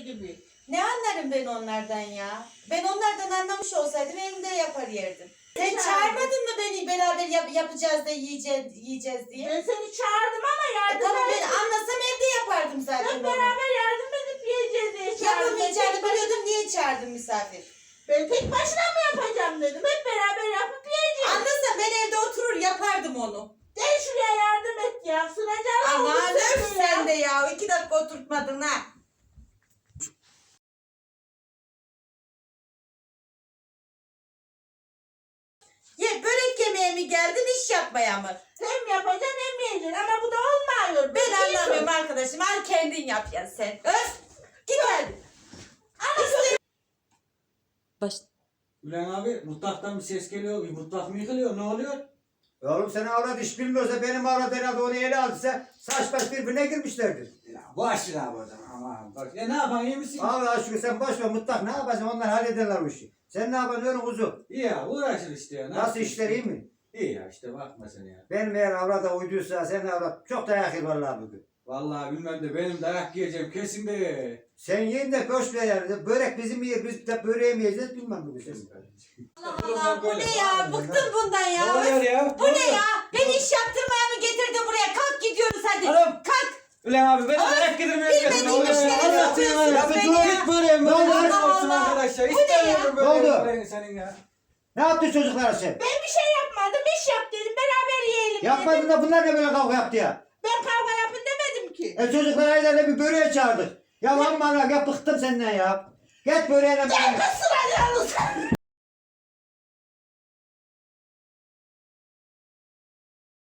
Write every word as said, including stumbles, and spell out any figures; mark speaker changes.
Speaker 1: gibi.
Speaker 2: Ne anlarım ben onlardan ya? Ben onlardan anlamış olsaydım evimde yapar yerdim. Sen çağırmadın mı beni beraber yap yapacağız da yiyeceğiz, yiyeceğiz diye?
Speaker 1: Ben seni çağırdım ama
Speaker 2: E
Speaker 1: yardım
Speaker 2: tamam ben
Speaker 1: et.
Speaker 2: anlasam evde yapardım zaten
Speaker 1: Hep
Speaker 2: onu.
Speaker 1: beraber yardım edip yiyeceğiz diye çağırdım.
Speaker 2: Yapamayacağını
Speaker 1: Ben tek-
Speaker 2: biliyordum, niye çağırdın misafir?
Speaker 1: Ben tek başına mı yapacağım dedim. Hep beraber yapıp yiyeceğiz.
Speaker 2: Anlasam ben evde oturur yapardım onu.
Speaker 1: Gel şuraya yardım et ya. Sınacağım.
Speaker 2: Aman öf sen de ya. İki dakika oturtmadın ha. Ye börek yemeye mi geldin iş yapmaya mı?
Speaker 1: Hem yapacaksın hem yiyeceksin ama bu da olmuyor.
Speaker 2: Ben
Speaker 1: Biliyorsun.
Speaker 2: anlamıyorum arkadaşım. Al kendin yap ya sen. Öf. Git hadi. İste- Baş...
Speaker 3: Ulan abi mutfaktan bir ses geliyor. Bir mutfak mı yıkılıyor? Ne oluyor?
Speaker 4: Oğlum sen avrat iş bilmiyorsa benim avrat herhalde onu ele aldıysa saç baş birbirine girmişlerdir.
Speaker 3: Ya boş ver abi o zaman. Aman boş. E ne yapan iyi misin?
Speaker 4: Allah aşkına sen boş ver mutlak ne yapacaksın onlar hallederler o işi. Sen ne yapacaksın öyle kuzu?
Speaker 3: İyi ya uğraşır işte ya. Ne
Speaker 4: Nasıl
Speaker 3: yapayım
Speaker 4: işler
Speaker 3: işte?
Speaker 4: iyi mi?
Speaker 3: İyi ya işte bakma sen ya.
Speaker 4: Benim eğer avrata uyduysa sen avrat çok dayak yer vallahi bugün.
Speaker 3: Vallahi bilmem de benim dayak yiyeceğim kesin de.
Speaker 4: Sen yiyin de boş ver yani. Börek bizim yer biz de böreği mi yiyeceğiz bilmem bugün sen.
Speaker 2: Allah Allah bu ne ya? Bıktım bundan
Speaker 3: Ne
Speaker 2: ya.
Speaker 3: oluyor
Speaker 2: Öf.
Speaker 3: ya?
Speaker 2: Bu ne ya? Beni iş yaptırmaya mı getirdin buraya? Kalk gidiyoruz hadi.
Speaker 3: Oğlum.
Speaker 2: Kalk.
Speaker 3: Ulan abi ben dayak yedirmeye geldim.
Speaker 2: bilmediğin
Speaker 3: Ne oluyor ya?
Speaker 2: işleri
Speaker 3: Allah
Speaker 2: yapıyorsunuz
Speaker 3: seni
Speaker 2: beni
Speaker 3: dur
Speaker 2: ya.
Speaker 3: git böyle. Ne
Speaker 4: oldu?
Speaker 3: Allah olsun
Speaker 2: Allah.
Speaker 3: arkadaşlar.
Speaker 2: Bu ne ya?
Speaker 3: İstemiyorum
Speaker 4: Ne oldu?
Speaker 3: böyle böyle senin ya.
Speaker 4: Ne yaptın çocuklara sen?
Speaker 1: Ben bir şey yapmadım. İş yap dedim. Beraber yiyelim
Speaker 4: Yapmadın
Speaker 1: dedim.
Speaker 4: da bunlar ne böyle kavga yaptı ya?
Speaker 1: Ben kavga yapın demedim ki.
Speaker 4: E çocuklar aylarla bir böreğe çağırdık. Ya lan bana ya bıktım senden ya. Git böreğine böreğine.
Speaker 1: Sınacağınız.